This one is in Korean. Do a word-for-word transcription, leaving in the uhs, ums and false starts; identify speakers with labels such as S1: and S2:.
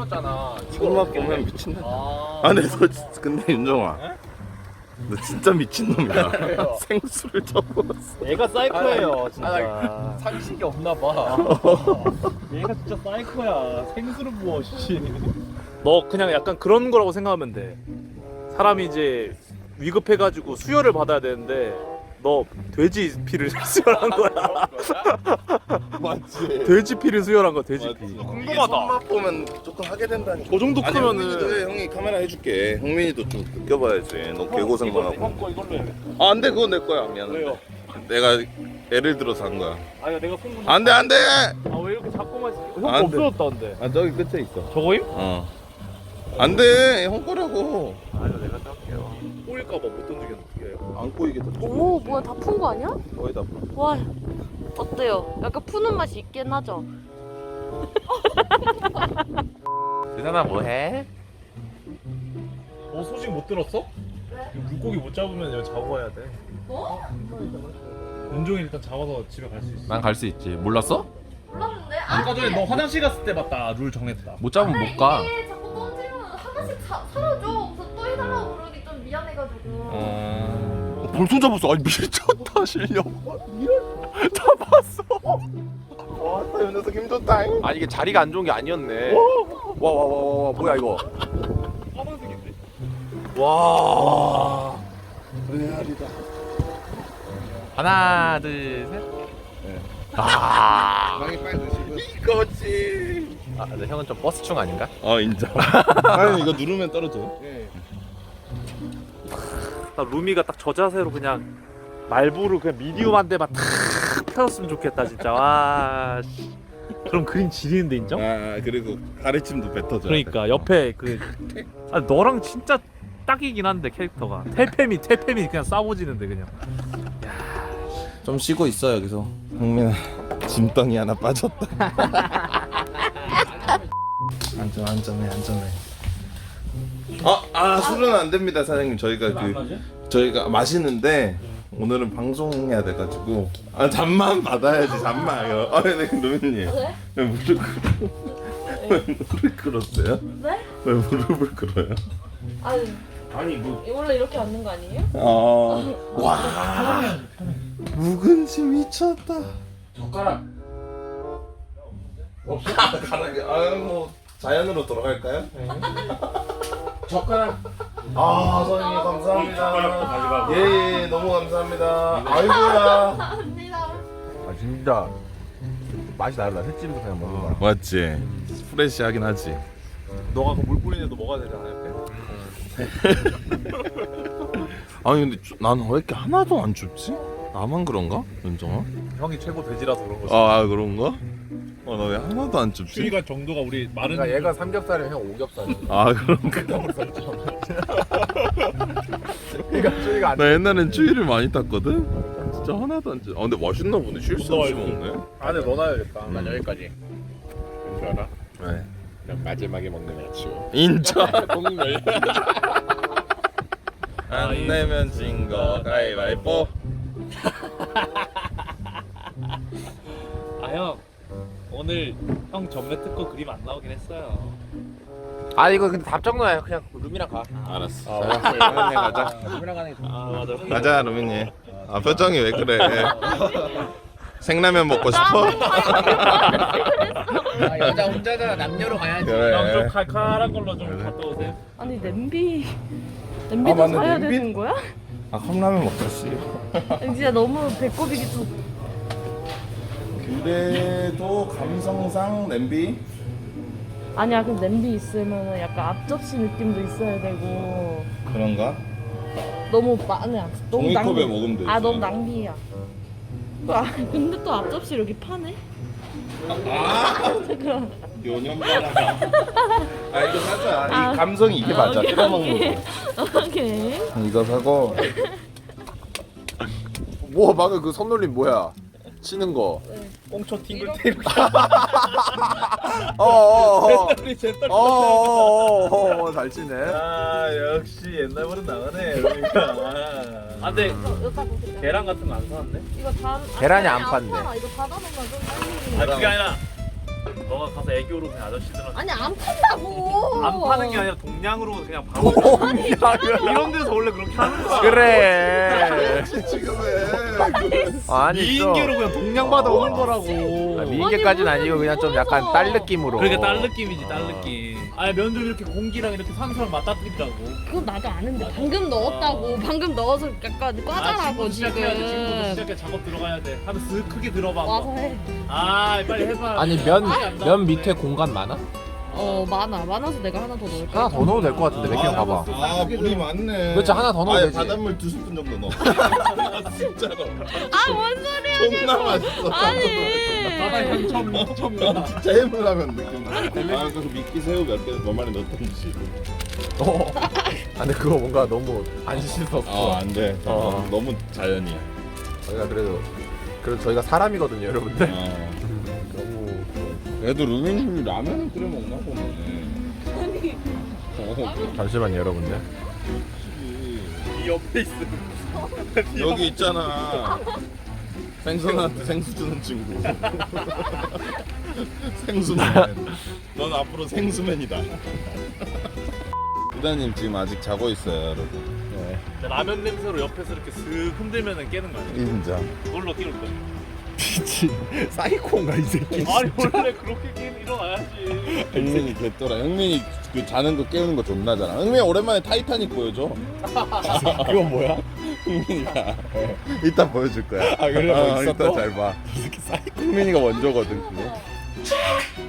S1: 먹었잖아.
S2: 손맛 보면 미친다.
S1: 아,
S2: 아, 근데 너 진짜- 근데 윤정아, 너 진짜 미친놈이야. 생수를 접었어.
S1: 얘가 사이코예요, 진짜.
S3: 아,
S1: 상식이 없나 봐. 얘가 진짜 사이코야. 생수를 부어, 씨.
S3: 너 그냥 약간 그런 거라고 생각하면 돼. 사람이 이제 위급해가지고 수혈을 받아야 되는데 너 돼지 피를 수혈한 거야.
S2: 맞지.
S3: 돼지 피를 수혈한 거야, 돼지 피.
S2: 맞지.
S3: 궁금하다.
S2: 손맛 보면 조금 하게 된다니까.
S3: 그 정도
S2: 아니,
S3: 크면은
S2: 형민이도 해. 형이 카메라 해줄게. 형민이도 좀 느껴봐야지. 너 개고생만 하고.
S3: 형 거 이걸로 해.
S2: 아, 안돼, 그건 내 거야. 미안해.
S3: 왜요?
S2: 내가 예를 들어서 한 거야.
S3: 아니 내가 손
S2: 안돼, 안돼.
S3: 아왜 이렇게 자꾸만 형 거
S2: 안 돼.
S3: 없어졌다는데.
S2: 아, 저기 끝에 있어.
S3: 저거임?
S2: 어. 안돼, 형 거라고.
S3: 아니 내가 짤게요. 꼬일까봐 못 던지겠는데 어떻게 해요?
S2: 안 꼬이게 더.
S4: 오 뭐야 다 푼 거 아니야?
S2: 거의 다.
S4: 와 어때요? 약간 푸는 맛이 있긴 하죠?
S1: 대단아, 뭐해?
S3: 너 소식 못 들었어? 왜? 물고기 못 잡으면 여기 자고 가야 돼.
S4: 뭐?
S3: 윤종이 일단 잡아서 집에 갈 수 있어.
S1: 난 갈 수 있지. 몰랐어?
S4: 몰랐는데?
S3: 아까 전에 너 화장실 갔을 때 봤다. 룰 정했다.
S1: 못 잡으면 못 가.
S4: 이게 자꾸 던지면 하나씩 사, 사라져. 그래서 또 해달라고 그러기 좀 미안해가지고.
S2: 어, 벌써 잡았어. 아니 미쳤다 실력. 이럴 다 봤어. 와이 녀석 힘줬다.
S1: 아니 이게 자리가 안 좋은 게 아니었네. 와 와 와 와 뭐야 이거?
S3: 까만색인데. 와.
S2: 레알이다.
S1: 하나 둘 셋. 아.
S2: 많이 빨리 드시고. 이거지.
S1: 아, 근데 형은 좀 버스충 아닌가?
S2: 어 인정. 아니 이거 누르면 떨어져.
S3: 나 루미가 딱 저 자세로 그냥 말부를 그냥 미디움한 데만 탁 펴줬으면 좋겠다 진짜. 와. 씨. 그럼 그림 지리는데 인정?
S2: 아 그리고 가래침도 뱉어줘.
S3: 그러니까 옆에 그 아, 너랑 진짜 딱이긴 한데 캐릭터가 태페미 태페미 그냥 싸워지는데 그냥.
S2: 좀 쉬고 있어 여기서. 형민아 짐덩이 하나 빠졌다. 안전 안전해 안전해. 아, 아 술은 안 됩니다 사장님. 저희가 그 저희가 마시는데 오늘은 방송해야 돼가지고 아 잠만 받아야지 잠만요. 아 네 루미님
S4: 네?
S2: 왜 무릎 꿇어? 왜 무릎 꿇었어요?
S4: 네?
S2: 왜 무릎을 꿇어요?
S4: 아니
S3: 아니 뭐
S4: 원래 이렇게 앉는 거 아니에요?
S2: 아와 묵은지 미쳤다.
S3: 젓가락
S2: 없어? 가락이 아뭐 자연으로 돌아갈까요?
S3: 젓가락
S2: 아 선생님 감사합니다. 예예 너무 감사합니다. 아이고야.
S4: 감사합니다.
S1: 아 진짜 맛이 다르다. 횟집에서 그냥 먹는 거랑.
S2: 맞지. 프레시하긴 하지.
S3: 너가 그 물 뿌리는 데 먹어야 되잖아 옆에.
S2: 아니 근데 나는 왜 이렇게 하나도 안 춥지? 나만 그런가? 윤정아?
S3: 형이 최고 돼지라서 그런 거지.
S2: 아 그런가? 어 나 왜 하나도 안 춥지?
S3: 추위가 정도가 우리 마른
S1: 그러니까 얘가 삼겹살이면 형 오겹살이야.
S2: 아 그런가?
S1: 그러니까 추위가 안.
S2: 나 옛날엔 추위를 많이 탔거든? 진짜 하나도 안 춥. 아 근데 맛있나 보네. 쉴 수 없이 먹네.
S3: 안에 넣어놔야겠다.
S1: 난 여기까지. 왠줄 알아?
S2: 네.
S1: 그냥 마지막에 먹는 야채.
S2: 인정.
S1: 공멸.
S2: 안 내면 진 거 가위바위보.
S3: 아 형 오늘 형 전매 특허 그림 안 나오긴 했어요.
S1: 아 이거 근데 답정너야. 그냥 루미랑 가.
S2: 알았어. 루민이 가자.
S1: 루미랑 가는 게.
S3: 아 맞아.
S2: 가자 루민이. 아 표정이 왜 그래? 생라면 먹고 싶어?
S1: 아, 여자 혼자잖아. 남녀로 가야지.
S2: 그래.
S3: 형 좀 칼칼한 걸로 좀 갔다 오세요.
S4: 아니 냄비 냄비도
S2: 맞네,
S4: 사야
S2: 냄비?
S4: 되는 거야?
S2: 아 컵라면 먹자 씨.
S4: 아니, 진짜 너무 배꼽이기 좀.
S2: 그래도 감성상 냄비?
S4: 아니야 그럼 냄비 있으면 약간 앞접시 느낌도 있어야 되고
S2: 그런가?
S4: 너무 많아. 너무
S2: 종이컵에
S4: 낭비.
S2: 먹으면 되지.
S4: 아 너무 낭비야. 아, 근데 또 앞접시 여기 파네?
S2: 아
S4: 그럼
S2: 요년가라. 아 이거 사자.
S4: 아.
S2: 이 감성이 이게
S4: 아,
S2: 맞아.
S4: 오케이,
S2: 뜯어 먹는
S4: 오케이.
S2: 거.
S4: 오케이.
S2: 이거 사고.
S1: 뭐 방금 그 손놀림 뭐야? 치는 거.
S3: 꽁초 팅글팅글.
S1: 어어어.
S3: 잿더리 잿더리.
S1: 어어어. 잘 치네.
S3: 아 역시 옛날보다 나가네 그러니까. 아 근데
S4: 여기다 보세요.
S3: 계란 같은 거 안 사왔네?
S4: 이거 다
S1: 계란이 안
S4: 안
S1: 판대.
S4: 팔아. 이거 닫아놓으면 좀
S3: 아 그게 아니라 너가 가서 애교로 그냥 아저씨들한테
S4: 아니 안 판다고.
S3: 안 파는 게 아니라 동량으로 그냥 바로 이런 데서 원래 그렇게 하는 거야.
S5: 그래.
S2: 지금 왜?
S5: 아니 좀
S3: 미인계로 그냥 동량 받아 오는 거라고.
S5: 아, 미인계까지는 아니고 그냥 좀 약간 딸 느낌으로.
S3: 그러니까 딸 느낌이지 딸 느낌. 아니 면도 이렇게 공기랑 이렇게 산소랑 맞닥뜨리라고.
S4: 그건 나도 아는데 방금 넣었다고. 방금 넣어서 약간 과자라고
S3: 아, 지금부터 시작해야 돼. 지금부터
S4: 지금.
S3: 시작해 작업 들어가야 돼. 하면 쓱 크게 들어봐.
S4: 와서 해.
S3: 아 빨리 해봐.
S5: 아니 면
S3: 아예 안
S5: 면
S3: 나오는데.
S5: 밑에 공간 많아?
S4: 어 많아. 많아서 내가 하나 더 넣을까?
S5: 하나 더 넣어도 될 것 같은데 몇 개 봐봐.
S2: 아 물이 많네.
S5: 그렇지, 하나 더 넣으면
S2: 아예
S5: 되지.
S2: 바닷물 두 스푼 정도 넣어. 진짜로.
S4: 아뭔 소리야.
S2: 존나 맛있어.
S3: 바다
S4: 아니.
S3: 향 처음 처음 나.
S2: 진짜 해물라면 느낌. 아 그래서 미끼 새우 몇 개 몇 마리 넣던지.
S5: 어. 아 근데 그거 뭔가 너무 안 씻었어.
S2: 아 안돼.
S5: 어.
S2: 너무 자연이야.
S5: 저희가 그래도 그래도 저희가 사람이거든요, 여러분들.
S2: 어.
S5: 너무
S2: 그래도 루미님이 라면을 끓여 먹나 보네. 어,
S5: 잠시만요, 여러분들.
S3: 이 옆에 있어.
S2: 여기 있잖아. 생선한테 생수 주는 친구. 생수맨. 넌 앞으로 생수맨이다. 부다님 지금 아직 자고 있어요, 여러분. 네.
S3: 라면 냄새로 옆에서 이렇게 슥 흔들면은 깨는 거야.
S2: 인자.
S3: 놀러 끼울 거야.
S5: 미친 사이코인가 이 새끼.
S3: 아니 원래 그렇게 깨 일어나야지.
S2: 흥민이 개또라. 흥민이 그 자는 거 깨우는 거 존나 잘하. 흥민이 오랜만에 타이타닉 보여줘.
S5: 그거 뭐야?
S2: 흥민이가 이따 보여줄 거야.
S5: 아, 그래? 뭐
S2: 어,
S5: 있어
S2: 이따
S5: 또?
S2: 잘 봐.
S5: 이 새끼 사이코.
S2: 흥민이가 원조거든 그거.